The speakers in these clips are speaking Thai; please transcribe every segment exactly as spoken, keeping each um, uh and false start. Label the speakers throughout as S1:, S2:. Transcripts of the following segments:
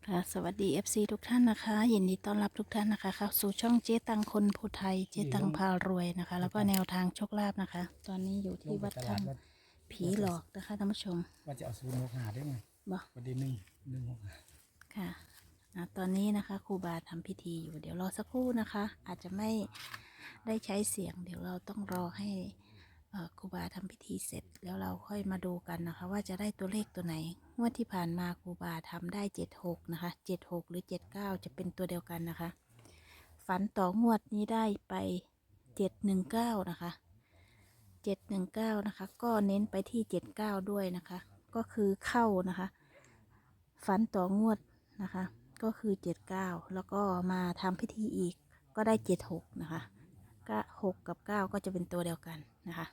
S1: ค่ะสวัสดี เอฟ ซี ทุกท่านนะคะยินดีต้อนรับทุกท่านนะคะเข้าสู่ช่องเจ๊ตังคนผู้ไทยเจ๊ตังพารวยนะคะ แล้วก็แนวทางโชคลาภนะคะ ตอนนี้อยู่ที่วัดถ้ำผีหลอกนะคะท่านผู้ชม
S2: ว่าจะเอาศูนย์หกหาได้ไหม
S1: บอก
S2: ประเด็นหนึ่งหนึ่งหกหา
S1: ค่ะอ่ะตอนนี้นะคะครูบาทำพิธีอยู่เดี๋ยวรอสักครู่นะคะ อาจจะไม่ได้ใช้เสียง เดี๋ยวเราต้องรอให้เอ่อครูบาทำพิธีเสร็จแล้วเราค่อยมาดูกันนะคะ ว่าจะได้ตัวเลขตัวไหนงวดที่ผ่านมาครูบาทำได้เจ็ดหกนะคะเจ็ดหกหรือเจ็ดเก้าจะเป็นตัวเดียวกันนะคะ ฝันต่องวดนี้ได้ไปเจ็ดหนึ่งเก้านะคะเจ็ดหนึ่งเก้านะคะก็เน้นไปที่เจ็ดเก้าด้วยนะคะก็คือเข้านะคะฝันต่องวดนะคะก็คือเจ็ดเก้าแล้วก็มาทำพิธีอีกก็ได้เจ็ดหกนะคะก็หกกับเก้าก็จะเป็นตัวเดียวกันนะคะ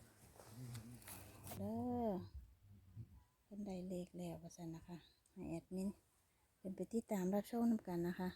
S1: เด้อเป็นได้เลขแล้วประสันนะคะให้แอดมินเป็นไปที่ตามรับชมนำกันนะคะ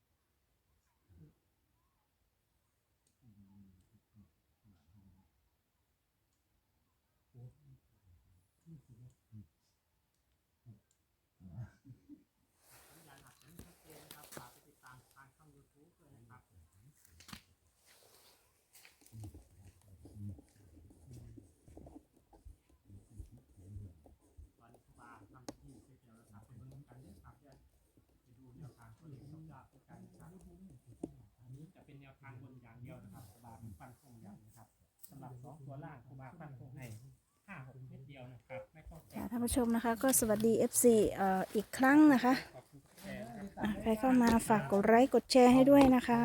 S2: จะเป็นแนวทางบนอย่างเดียวนะครับครูบาเป็นฟันธงอย่างนะครับสำหรับสองตัวล่างครูบาฟันธงให้ห้าหกเม็ดเดียวนะครับไม่ต้องแตะ
S1: ท่านผู้ชมนะคะก็สวัสดี เอฟ ซี เอ่ออีกครั้งนะคะอ่ะใครเข้ามาฝากกดไลค์กดแชร์ให้ด้วยนะคะ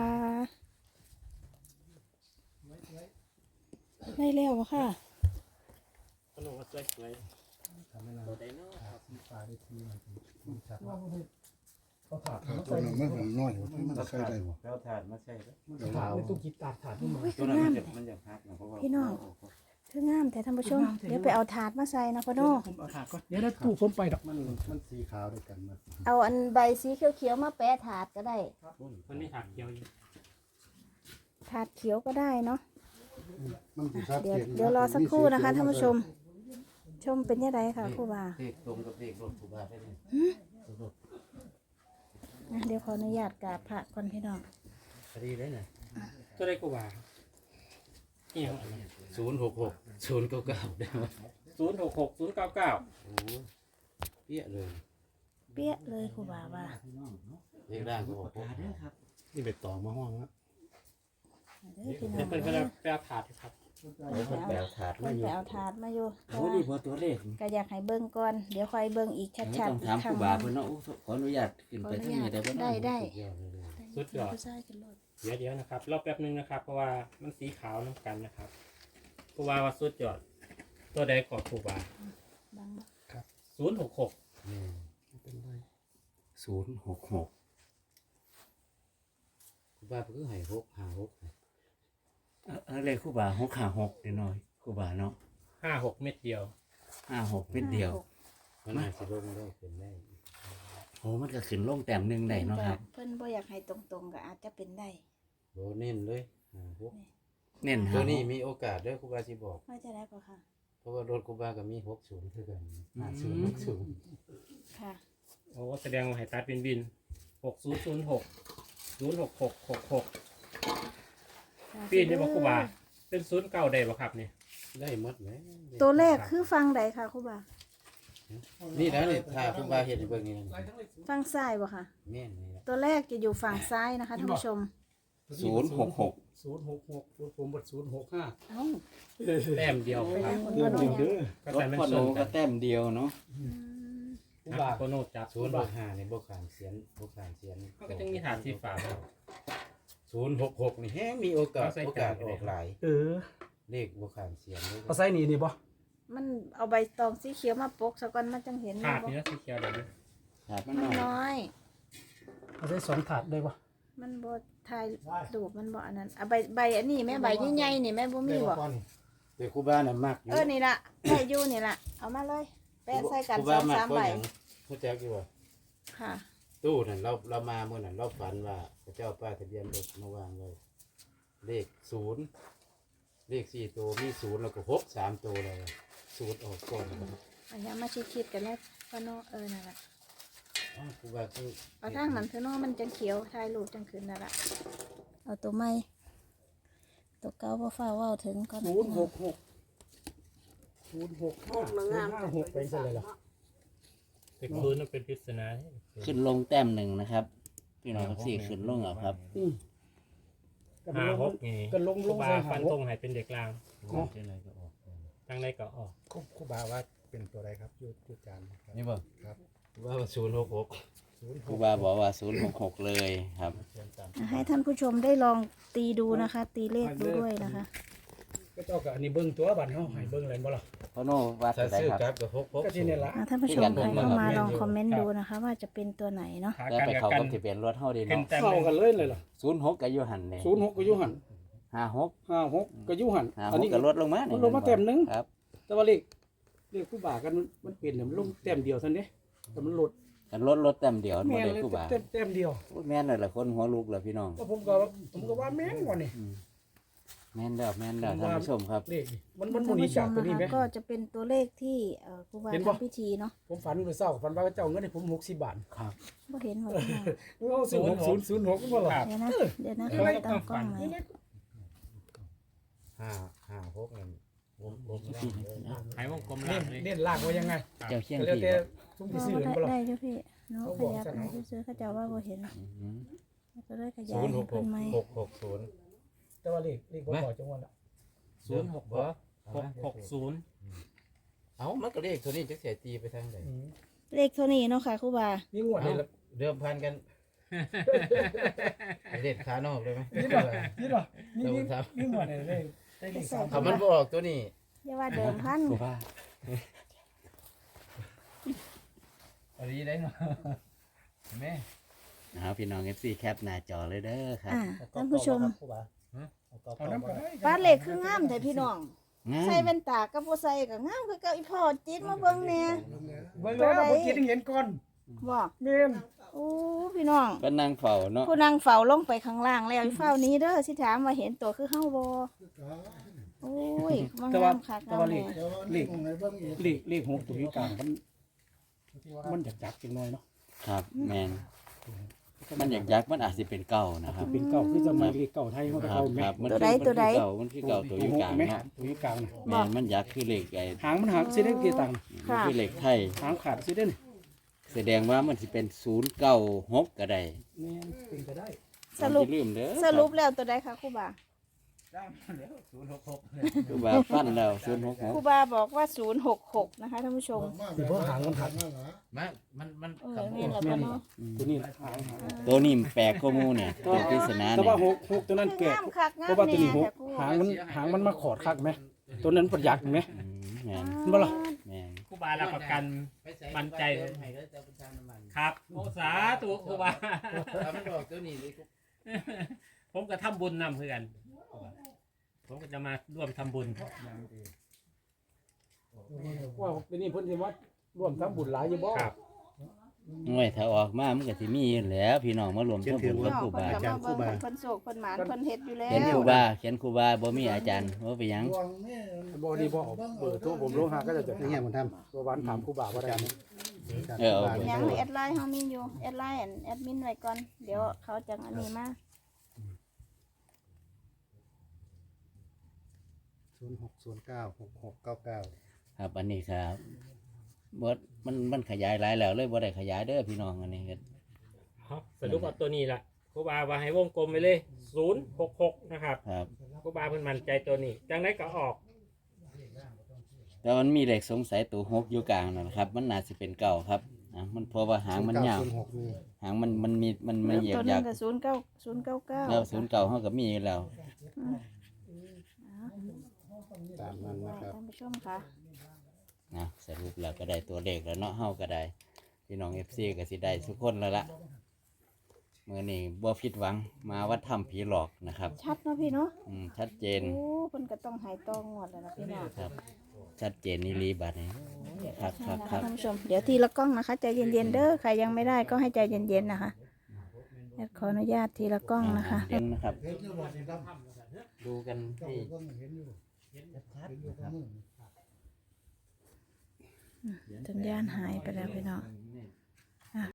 S1: ได้แล้วค่ะ
S2: ขนมสวยสวยตัวไดโน่ครับปลาได้ทีมันชัดเขาถาด
S3: ตัวนึงมันเป็นน้อยมันใช้ได้บ่
S4: แล้วถาดมาใช่แล้ว
S2: ถาดไม่ต้องคิดตัดถาดนี่มัน
S4: ตัวนั้นมันจะมันจะพักนะเพราะว่า
S1: พี่น้องคืองามแต่ท่านผู้ชมเดี๋ยวไปเอาถาดมาใส่นะพ่อโน่
S2: ผมเอาถาดก่อนเดี๋ยวได้ตู้ผมไปดอก
S3: มันมันสีขาวด้วยกันมัน
S1: เอาอันใบสีเขียวๆมาแปะถาดก็ได้
S2: มันมีถาดเดียวอยู่
S1: ถาดเขียวก็ได้เนาะ
S3: มันสีชัด
S1: เดี๋ยว
S3: เจน
S1: เดี๋ยวรอสักครู่นะคะท่านผู้ชม ชมเป็นยังไงค่ะครูบา
S4: เด็กตรงกับเด็กรถถูกบาได้เลย
S1: อ่ะเดี๋ยวขออนุญาตกราบพระก่อนพี่น้อง
S4: พอดีเลยนะ
S2: ก็ได้กูว่าเอี่ยง
S4: ศูนย์หกหกศูนย์เก้าเก้าได้ไหม
S2: ศูนย์หกหกศูนย์เก้าเก้า
S4: โอ้เปี้ยเลย
S1: เปี้ยเลยครูบาว่า
S4: เด็กร่างก็บอกว่า
S3: นี่ไปต่อมาห้องแล้ว
S1: เด้อพี่น้อ
S2: เดี๋ยว
S1: ง
S2: เป็นไป
S1: เด้อ
S2: ไปเอาถาดครับ
S4: โอ้คนแปลถาด
S1: เพิ่
S4: มาน อยู่
S1: ไปเอาถาดมาอยู่
S4: โอ้นี่พอตัวเลข
S1: ก็อยากให้เบิ่งก่อน เดี๋ยวค่อยเบิ่งอีก
S4: ไม่
S1: ชัด
S4: ต้อง
S1: ๆอี
S4: ถาก ม
S1: ค
S4: ค
S1: รั้
S4: รู
S1: ง
S4: บาเพื่อนเนาะขออนุญาตขึ้นไปที่นี่ได้ไหม
S1: ได้ได้
S2: สุดยอด
S1: ผู้ชายกันรถ
S2: เดี๋ยวเดี๋ยวนะครับรอแป๊บนึงนะครับ เพราะว่ามันสีขาวน้ำกันนะครับครูบาว่าสุดยอดตัวใดก่อนครูบา
S1: บังบ่
S2: ศูนย์หกหก
S4: ศูนย์หกหกครูบาเพิ่งให้หกห้าหกเออเลขครูบาหกห้าหกเดี๋ยวหน่อยครูบาเนาะ
S2: ห้าหกเม็ดเดียว
S4: ห้าหกเป็นเดียว
S5: มันอาจจะลงได้เป็นได้
S4: โอ้มันก็ขึ้นลงแต้มหนึ่งได้เนาะครับ
S1: เพิ่นบ่อยากให้ตรงๆก็อาจจะเป็นได้
S5: โบเน้นเลยอ่าพวก
S4: เน้น
S5: ตั
S4: หาว
S5: นี้มีโอกาสเด้อครูบาสิบอก
S1: ว่าจะได้ป่ะค่ะ
S5: เพราะว่ารถครูบาก็มีหกศูนย์คือกันห้าศูนย์หกศูนย์
S1: ค่ะ
S2: โอ้แสดงว่าให้ตัดบินบินหกศูนย์ศูนย์หกศูนย์หกหกหกหกปีนี่บอกครูบาเป็นศูนย์เก้าได้บ่ครับนี่
S5: ได้หมดไหม
S1: ตัวเลขคือฟังใดค่ะครูบา
S5: นี่แล้วนี่ถ้าครูบาเห็นในเบิ่งนี่
S1: ฟังซ้ายบ่ค่ะ
S5: แม่นนี่แหละ
S1: ตัวแรกจะอยู่ฝั่งซ้ายนะคะท่านผู้ชม
S4: ศูนย์หกหก
S2: ศูนย์หกหกผมบดศูนย์หกห้า
S1: เอ้า
S2: แต้มเดียวครับ
S1: คนละเนี่ย
S2: ก็
S4: รถ
S2: แต่มัน
S4: พ่อ
S2: ช
S4: โน
S2: นกั
S4: ก็
S2: น
S4: แต้มเดียวเนาะ
S1: อืม
S2: ครูบาโคโนจับ
S5: ศูนย์หกห้าในบ่ขามเสียนบ่ขามเสียน
S2: มันก็จะมีฐานที่ฝาครับ
S5: ศูนย์หกหกนี่แฮงมีโอกาส
S2: เอาใส่
S5: โอกาส
S2: จาน
S5: ออกหลาย
S2: เออ
S5: เลขบ่ขามเสียนเลย
S2: เอาใส่นี่นี่บ่
S1: มันเอาใบตองสีเขียวมาปกซะก่อนมันจังเห็น
S2: ถาด
S1: บ่
S2: นี่นะสีเขียวเดี๋ยวนี้
S4: ถาดมัน
S1: มัน
S4: น้อย
S1: น้อย
S2: เอาใส่สองถาดได้บ่
S1: มันบ่ถ่ายรูปมันบ่อันนั้นเอาใบใบอันนี้แม่ใบใหญ่ๆนี่แม่บ่มีบ่
S5: แต่ครูบาน่ะมักอยู่
S1: เออนี่ล่ะได้อยู่นี่ล่ะเอามาเลยแปะใส่กัน
S5: ครู
S1: ส
S5: บา
S1: อง
S5: มัก
S1: สาม
S5: เพราะ
S1: ใบ
S5: หยังรู้จักอยู่ว่า
S1: ค่ะ
S5: ตู้นั่นเราเรามาเมื่อนั้นเราฝันว่าพระเจ้าป้ายทะเบียนรถมาวางไว้เลขศูนย์เลขสี่ตัวมีศูนย์แล้วก็หกสามตัวเลยศูนย์ออกก่อนนะครับ
S1: อันนี้มาชิดๆกันแล้วก็โนเออนั่นล่ะ
S5: อ๋อครูบาคือ
S1: เอาทางนั้นเถอะเนาะมันจังเขียวถ่ายรูปจังขึ้นนั่นล่ะเอาตัวใหม่ตัวเก่าบ่ฟ้าเว้าถึงก่อน
S6: ศูนย์หกหกศูนย์หกห้าศูนย์ห้าหกเป็นอะไรล่ะ
S2: เด็กศูนย์มันเป็นปริศนา
S4: ขึ้นลงแต้มหนึ่งนะครับพี่น้องสี่ขึ้นลงเอาครับ
S6: อืมก็
S2: ห้า
S6: ล
S2: ห
S6: ง
S2: กนี่
S6: ก็ลง
S2: ค
S6: ล
S2: รู
S6: ง
S2: บา
S6: ใส่
S2: ฟั
S6: หาน ห
S2: ธ
S6: ก
S2: งให้เป็นเด็กลางตั้งได้ก็ออก
S3: ครูบาว่าเป็นตัวอะไรครับยุทธการครับ
S5: นี่บ่
S3: ครับ
S5: ว่าศูนย์หกหก
S3: ศูนย์
S4: ครูบาบอกว่าศูนย์หกหกเลยครับ
S1: ให้ท่านผู้ชมได้ลองตีดูนะคะ ตีเลขดูด้วยนะคะ
S6: ก็เจ้ากับอันนี้เบิ้งตัวบัตรเขาให้เบิ้งอะไรบ่ล่ะ
S4: พ่อโน่ว่า
S5: ถ้า
S4: ตัวใด
S5: ซื้อ
S4: ครับ
S5: กลับกับหกหก
S6: ก็ที่นี่ละ
S1: อ่ะท่านผู้ชมใครเข้ามาลองคอมเมนต์ดูนะคะ ว่าจะเป็นตัวไหนเนาะ
S2: ขา
S4: แล้ว
S2: กัน
S4: ไป
S2: กับ
S4: เขา
S2: กัน
S4: กับทะเบียนรถเท่าดี
S2: ขึ้น
S4: เนาะ
S2: แต้ม
S6: เข้า
S2: หนึ่ง
S6: กันเลยเลยล่ะ
S4: ศูนย์หกกับยูหันเลย
S6: ศูนย์หกก็อยุหัน
S4: ห้าหก
S6: ห้าหกก็อยุหัน
S4: ห้า
S6: อัน
S4: หก
S6: นี้
S4: กับลดลงมา
S6: มันลงมาเต็มหนึ่ง
S4: ครับ
S6: แต่ว่าเลขเลขผู้บ่ากันมันมันเปลี่ยนเนี่ยมันลงแต้มเดียวเท่านี้แต่มันลด
S4: กันลดลดแต้มเดียวบ่
S6: แม่น
S4: ได้
S6: เลย
S4: ครูบา
S6: แต้มแต้มเดียว
S4: โอ้ยแม่นเลยละคนหัวลูกเลยพี่น้อง
S6: ก็ผมก็ว่าผมก็ว่าแม่นกว่านี่
S4: แม่นแล้วแม่นแล้วท่านผู้ชมครับ
S6: เลขนี่มันมันห
S1: ท่าน
S6: มุน
S1: ผู้ช
S6: จาก
S1: ม
S6: ตัว
S1: นะ
S6: นี้ไหม
S1: คะก็จะเป็นตัวเลขที่เอ่อครูบา
S6: เห็นปะ
S1: ทำพิธีเนาะ
S6: ผมฝันเมื่อเช้าฝันว่าเจ้าเงินให้ผมหกสิบบาท
S4: ครับ
S1: บ่เห็นว่าเป็นไง
S6: เอาศูนย์หกศูนย์ศูนย์หกก็บ่ล่ะ
S1: เดี๋ยวนะเดี๋ยวนะเขาตั้งกล้องไหม
S5: ห้าห้าหกนั่นวงกลมล่างเลย
S2: หายวงกลม
S6: เน้
S2: ล่าน งเลย
S6: เน้นลากไว้ยังไง
S4: เจ้าเชียง
S6: ก็แล้ว
S4: พี่
S6: แต่ทุ่มที่ซื้อ
S1: ได้
S6: เห็นบ่ล่ะ
S1: ได้จ้ะพี่เนาะ
S6: เขา
S1: ข
S6: บอก
S1: ยับ
S6: ซะ
S1: ไป
S6: เนาะ
S1: ซื้อๆเขาจะว่าบ่เห็น
S4: อืม
S1: ก็เลยขยา
S5: ศู
S1: ย
S5: นย์ห
S1: ให้
S5: กห
S1: เพิ่
S5: ก
S1: นไหม
S5: หกหกศูนย์
S6: แต่ว่าเลขเลขบ่พอจังหวะละ
S2: ศูนย์หกหกหกหกศูนย์
S5: เอ้ามันก็เลขตัวนี้จะเสียตีไปทางไหน
S6: อืม
S1: เลขเท่านี้เนาะค่ะครูบา
S6: นี่งวดนี่ละ
S5: เดิมพันกันเลขขานอกเลยไหม
S6: นี่บ่นี่บ่นี่นี่นี่งวดนี่ได้ได้เลขสาม
S5: ถ้ามันบอกตัวนี้
S1: อย่าว่าเดิมพัน
S4: ครูบา
S5: อันนี้ได้เนาะแม่
S4: นะครับพี่น้อง เอฟ ซี แคปหน้าจอเลยเด้อครับ
S1: อ่าท่านผู้ชม
S6: เอาน้ำก็ได้
S1: ป้าเลขคืองามแต่พี่น้อง
S4: งาม
S1: ใส่แว่นตากับบ่ใส่ก็งามคือเก่าอีพ่อจิตมาเบิ่งแหน่
S6: เบิ่งแล้วเมื่อกี้ได้เห็นก่อน
S1: บ่
S6: แม่น
S1: โอ้พี่น้อง
S4: ก็นั่งเฝ้าเนาะ
S1: ผู้นั่งเฝ้าลงไปข้างล่างแล้วอีเฝ้านี้เด้อสิถามว่าเห็นตัวคือเฮาบ่โอ้ยมัน
S6: แต่ว่าง
S1: ามคัก
S6: แต่
S1: งาม
S6: ว่าเล
S1: แน่
S6: ข
S3: เดี๋ยวเลขของไหนเบิ่งอีก
S6: เลขเลขหกตัวนี้กลางมันมันอยากจับจังหน่อยเนาะ
S4: ครับแมนมันอยากยักษ์มันอาจจะเป็นเก่านะครับ
S6: เป็นเก่าคือสมัยเลขเก่าไทยมันก็
S4: ครับ
S6: เก่าแม่
S4: ครับมัน
S1: ตัว
S4: คือ
S1: ใดตัวใด
S4: มันคือเก่ามันคือเก่าตัวอยู่กลาง
S6: แม่
S4: เนาะ
S6: ตัวนี้กลางน่ะ
S4: แมนมันยักษ์คือเหล็กไอ้
S6: หางมันหางสิได้กี่ตังค์
S4: มันคือเหล็กไทย
S6: หางขาดสิได้นี่
S4: แสดงว่ามันสิเป็นศูนย์เก้าหกก็ได้
S6: แม่นเป็นก็ได้
S1: สรุป
S4: อย่าลืมเด้อ
S1: สรุปแล้วตัวใดคะครูบา
S5: ได้แล้วศูนย์หกหก
S4: คือว่าฟันแล้วศูนย์หกห
S1: ครู
S4: ก
S1: บาบอกว่าศูนย์หกหกนะคะท่านผู้ชม
S6: สิบ่หางมันหัก
S5: มันมันมัน
S1: เออ
S5: คำ
S1: แม่นแล้วก็เนาะ
S6: ตัวนี้หางหาง
S4: ตัวนี้แปลกข้อมูลเนี่ยตัวปริศนา
S6: แต่
S4: เนี่
S6: ว่าย หกหกตัวนั้น
S1: คือ
S6: แก่
S1: งามคักงาม
S6: เพราะว่าตัว
S1: แน่
S6: นี้หก
S1: แต่ครู
S6: หางมันหางมันมาขอดคักไหมตัวนั้นประหยัดไหม
S4: อืมแมน
S6: บ่ล่ะ
S4: แมน
S2: ครูบารับประกัน มั่นใจ
S5: ให้ก็จะประกันน้ำมัน
S2: ครับโอ้สาธุครูบา
S5: ถ้ามันบอกตัวนี้เลย
S2: ผมก็ทำบุญนำเพื่อนผมก็จะมาร่วมทำบุญ
S6: ว่าเป็นนี่เพิ่นสิว่าร่วมทำบุญหลายอยู่บ่
S2: ครับ
S4: หน่วยถ้าออกมามันก็สิมีอยู่แหล้วพี่น้องมารวมทำบุญ
S1: พี่
S4: กับ
S1: น้อง
S4: ครู
S1: เพิ่น
S4: บา
S1: ก็มาเบิ่งเพิ่นเพิ่นโศกเพิ่นหมานเพิ่นเฮ็ดอยู่แล้
S4: เขียนครู
S1: ว
S4: บาเขียนครูบาบ่มีอาจารย์ว่าไปหยัง
S6: บ่ดีบ่เอาเบอร์โทรผมลงหาก็จะจะ
S3: เนี่ยมันท
S6: ตัววันถามครูบาว่าได้ไหม
S3: ำ
S4: เออเอา
S1: ยังแอดไลน์เฮามีอยู่แอดไลน์อันแอดมินไว้ก่อนเดี๋ยวเขาจังอันนี้มา
S3: ศูนย์หกศูนย์เก้าหกหกเก้าเก้า
S4: ครับอันนี้ครับบดมันมันขยายหลายแล้วเลยบ่ได้ขยายเด้อพี่น้องอันนี้ก็
S2: ครับสรุปว่าตัวนี้ล่ะครูบาว่าให้วงกลมไปเลยศูนย์หกหกนะครับ
S4: ครับ
S2: ครูบาเพิ่นมั่นใจตัวนี้จังไดก็ออก
S4: แต่มันมีเลขสงสัยตัวหกอยู่กลางนั่นนะครับ มันน่าจะเป็นเก่าครับอ่ะมันเพราะว่าหางมันยาว
S3: ศูนย์หกมี
S4: หางมันมันมีมันมันเหยียบ
S1: ตัวหนึ
S4: ยาง ก
S1: ก็ศูนย์เก้าศูนย์เก้าเก้า
S4: แล้วศูนย์เก่าเฮาก็มีอยู่แล้ว
S3: ตามนั้นนะครับ
S1: ท่านผู้ชมค่ะ
S4: นะสรุปแล้วก็ได้ตัวเลขแล้วเนาะเฮาก็ได้พี่น้อง เอฟ ซี ก็สิได้ทุกคนแล้วล่ะมื้อนี้บ่ผิดหวังมาวัดถ้ำผีหลอกนะครับ
S1: ชัดเนาะพี่เนาะ
S4: อืมชัดเจน
S1: โอ้เพิ่นก็ต้องหายตองงวดแล้วนะพี่น้อง
S4: ครับ ชัดเจนนี่ลีบัดนี้ครับครับ
S1: นะ
S4: ค
S1: คะ
S4: รับ
S1: ท่านผู้ชมเดี๋ยวทีละกล้องนะคะใจเย็นๆเด้อใครยังไม่ได้ก็ให้ใจเย็นๆนะคะแอดขออนุญาตทีละกล้องนะคะ
S4: เด่นนะครับ
S3: เห็นอยู่บ่นี่ครับ
S4: ดูกันที่
S3: เบิ่งเห็นอยู่เห็นอยู่กับมือ
S1: สัญญาณหายไปแล้วพี่น้อง